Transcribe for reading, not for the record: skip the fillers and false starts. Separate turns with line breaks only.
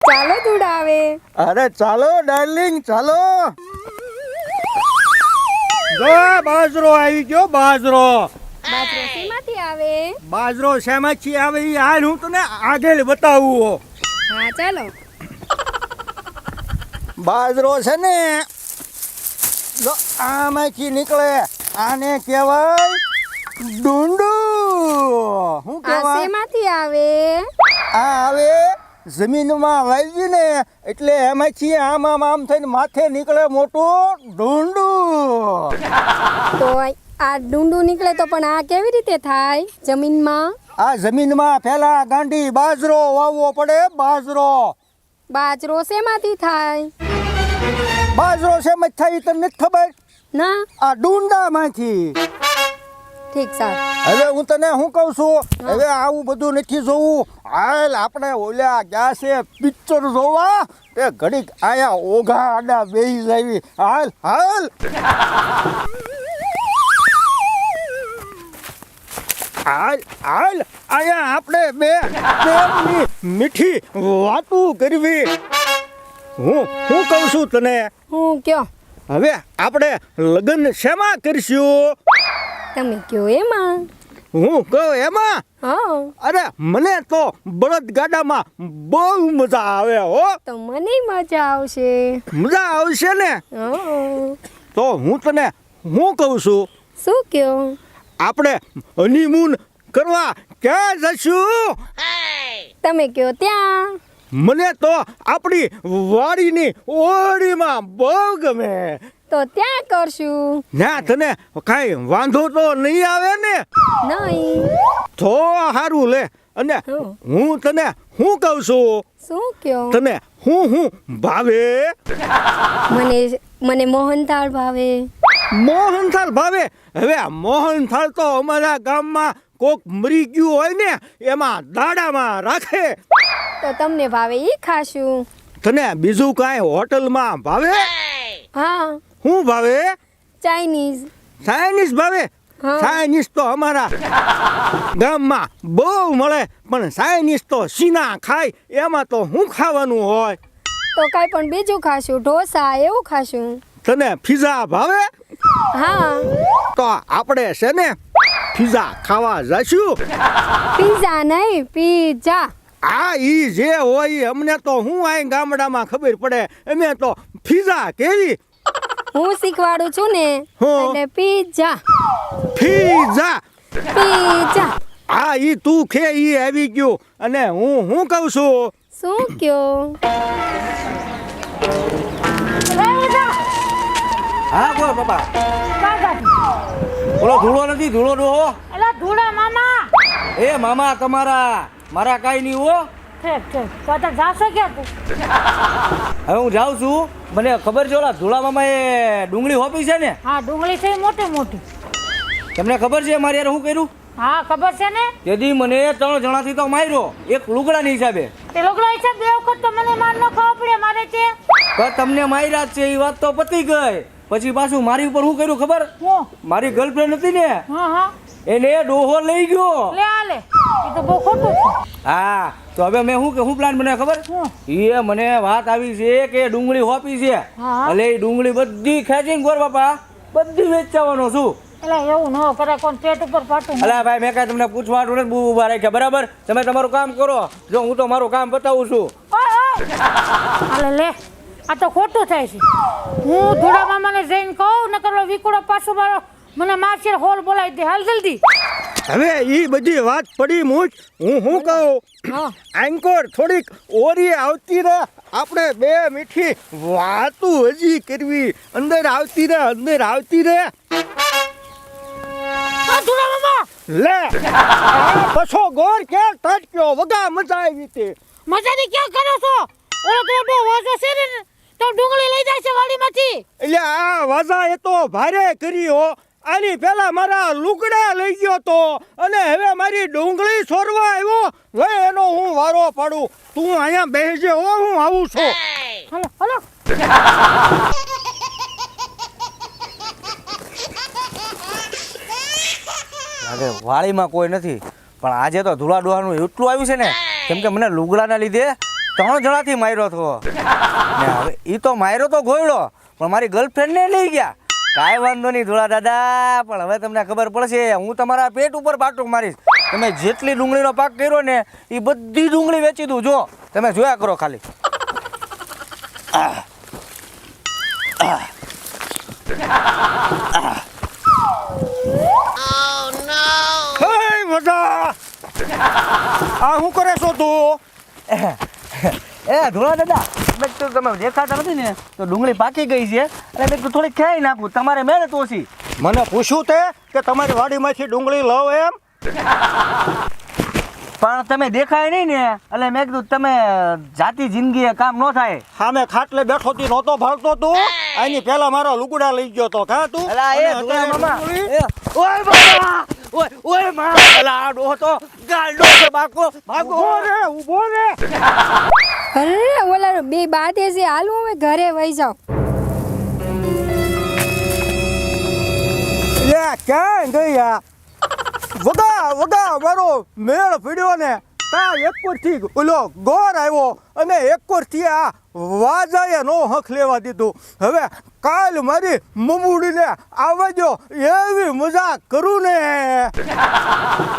ચાલો દુડાવે.
અરે ચાલો ડાર્લિંગ ચાલો. જો બાજરો આવી ગયો બાજરો.
બાજરો શેમાંથી આવે?
બાજરો શેમાંથી આવે ઈ હાલ હું તને આગળ બતાવું.
હા ચાલો.
બાજરો છે ને જો આમાંથી નીકળે આને કહેવાય ડુંડું. શું
આ
કહેવાય?
શેમાંથી આવે?
આ આવે જમીનમાં વાવી ને એટલે એમાંથી આમ થઈને માથે નીકળે મોટું ડુંડું.
તો આ ડુંડું નીકળે તો પણ આ કેવી રીતે થાય જમીનમાં?
આ જમીનમાં પહેલા ગાંડી બાજરો વાવવો પડે.
બાજરો શેમાંથી થાય?
બાજરો શેમાં થાય તને નથી ખબર?
ના.
આ ડુંડામાંથી.
ઠીક સાહેબ.
હવે હું તને શું કહું છું, હવે આવું બધું નથી જોવું. હાલ આપણે ઓલ્યા ગયા છે પિક્ચર જોવા, તે ઘડીક આયા ઓઘા આડા બેહી જાવી. હાલ હાલ હાલ હાલ આયા આપણે બે પ્રેમની મીઠી વાતું કરવી. હું કહું છું તને,
હું કયો?
હવે આપણે લગ્ન શેમાં કરશું?
તમે કયો એમાં.
હું કહું એમાં?
હા.
અરે મને તો બળદ ગાડામાં બહુ મજા આવે હો.
તો મને મજા આવશે.
મજા આવશે ને?
હા.
તો હું તને હું કહું છું,
શું કયો?
આપણે હનીમૂન કરવા ક્યાં જશું?
તમે કયો ત્યાં.
મને તો આપણી વાડીની ઓળીમાં બહુ ગમે.
તો ત્યાં કરશું.
ના તને કાંઈ વાંધો તો નહીં આવે ને?
નહીં.
તો સારું લે. અને
હા.
હું તને શું કહું છું,
શું કયો?
તને હું ભાવે?
મને મોહનથાળ ભાવે.
મોહનથાળ ભાવે? હવે આ મોહનથાળ તો અમારા ગામમાં કોક મરી ગયું હોય ને એમાં દાડામાં રાખે.
તો તમને ભાવે ઈ ખાશું.
તને બીજું કાંઈ હોટલમાં ભાવે?
હા.
શું ભાવે?
ચાઇનીઝ.
ચાઇનીઝ ભાવે?
હા.
ચાઇનીઝ તો અમારા ગામમાં બહુ મળે, પણ ચાઇનીઝ તો સીના ખાય એમાં તો શું ખાવાનું હોય?
તો કાંઈ પણ બીજું ખાશું, ઢોસા એવું ખાશું.
તને પીઝા ભાવે?
હા.
તો આપણે છે ને પીઝા ખાવા જશું.
પીઝા નહીં, પીઝા.
આ ઈ જે હોય ઈ અમને તો હું આ ગામડામાં ખબર પડે, અમે તો પીઝા કેવી.
હું શીખવાડું છું ને,
હા.
એટલે પીઝા.
પીઝા.
પીઝા.
આ ઈ તું ખે ઈ આવી ગયું. અને હું કહું છું,
શું કયો?
હા બોલ બાપા. બોલો ધૂળો નથી, ધૂળો ડોહો.
એલા ધૂળા મામા.
એ મામા તમારા, મારા કાંઈ નહીં હો.
ઠીક ઠીક. તો અત્યારે જાશો ક્યાં તું?
હવે હું જાઉં છું. મને ખબર છે ઓલા ધૂળા મામા એ ડુંગળી હોપી છે ને,
હા ડુંગળી છે મોટી મોટી.
તમને ખબર છે મારે યાર શું કર્યું?
હા ખબર છે ને.
તેથી મને 3 જણાથી તો માર્યો, એક લુગડાની હિસાબે.
તે લોકો હિસાબ બે વખત તો મને માર ન ખાવા પડે મારે છે.
પણ તમને માર્યા જ છે એ વાત તો પતી ગઈ. પછી પાછું મારી ઉપર શું કર્યું ખબર?
હું?
મારી ગર્લફ્રેન્ડ હતી ને,
હા હા.
એને ડોહો લઈ ગયો.
લે આ લે. એ તો બહુ ખોટું છે.
હા તો હવે મેં શું પ્લાન બનાવ્યો ખબર?
હું?
એ મને વાત આવી છે કે ડુંગળી હોપી છે,
હા.
એટલે એ ડુંગળી બધી ખેંચીને ગોર બાપા બધી વેચવાનો છું.
એટલે એવું ન કરે, કોણ પેટ ઉપર પાટું.
અલા ભાઈ મેં કાંઈ તમને પૂછવા હાટુ નથી ઊભા રાખ્યા, બરાબર? તમે તમારું કામ કરો, જો હું તો મારું કામ બતાવું છું.
હાલે લે. આ તો ખોટું થાય છે. હું ધૂળા મામાને જઈને કહું ન કરો વિકુડો પાછો મારો મને મારશે, હોલ બોલાવી દે. હાલ જલ્દી.
હવે ઈ બધી વાત પડી મૂજ. હું કહું,
હા.
આંકોર થોડીક ઓરી આવતી રહે, આપણે બે મીઠી વાતું હજી કરવી. અંદર આવતી રહે.
આ ધૂળા મામા
લે પછો ગોર કે ટટક્યો વગા મજા આવી તે.
મજાની ક્યાં કરો છો? ઓલો તો બહુ વાજો છે ને, તો ડુંગળી લઈ જાય છે વાડીમાંથી.
એટલે આ વાજા એ તો ભારે કરી હો. આની પેલા મારા લુગડા લઈ ગયો તો, અને હવે મારી ડુંગળી છોરવા આવ્યો. હવે એનો હું વારો પાડું. તું અહીંયા બેસજે હો, હું આવું છું.
હાલો હાલો.
અરે વાળીમાં કોઈ નથી, પણ આજે તો ધૂળા ડોહાનું એટલું આવ્યું છે ને, કેમ કે મને લુગડાના લીધે 3 જણાથી માર્યો હતો ને હવે એ તો માર્યો તો ગોયડો પણ મારી ગર્લફ્રેન્ડને લઈ ગયા. કાંઈ વાંધો નહીં ધોળા દાદા, પણ હવે તમને ખબર પડશે. હું તમારા પેટ ઉપર પાટું મારીશ. તમે જેટલી ડુંગળીનો પાક કર્યો ને એ બધી ડુંગળી વેચી દઉં. જો તમે જોયા કરો ખાલી.
હે મજા, આ શું કરે છો તું?
એ ધોળા દાદા, મેં તો તમે દેખાતા નથી ને તો ડુંગળી પાકી ગઈ છે અને મેં થોડી ખાઈ નાખું. તમારે મહેનત ઓછી.
મને પૂછ્યું તે કે તમારી વાડીમાંથી ડુંગળી લઉં એમ?
પણ તમે દેખાય નહીં ને એટલે મેં કીધું તમે જાતિ જિંદગી કામ ન થાય.
સામે ખાટલે બેઠો તી નહોતો ભાળતો તું? આની પહેલા મારા લુગડા લઈ ગયો તો કા તું?
અલા એ
અને
ધોળા
અત્યારે
મામા,
ડુંગળી?
એ, ઓય બાબા, ઓય માં, અલા આ ડોહો તો ગાંડો છે. ભાગો ભાગો.
ઊભો રે, ઊભો રે.
અરે ઓલા બે બાદે છે, હાલું હવે ઘરે વહી જાઉં.
લે ક્યાં ગયા? વગા વગા મારો મેળ પીડ્યો ને તા એકોરથી ઓલો ગોર આવ્યો અને એકોરથી આ વાજાએ નો હક લેવા દીધું. હવે કાલ મારી મમુડીને આવજો એવી મજાક કરું ને.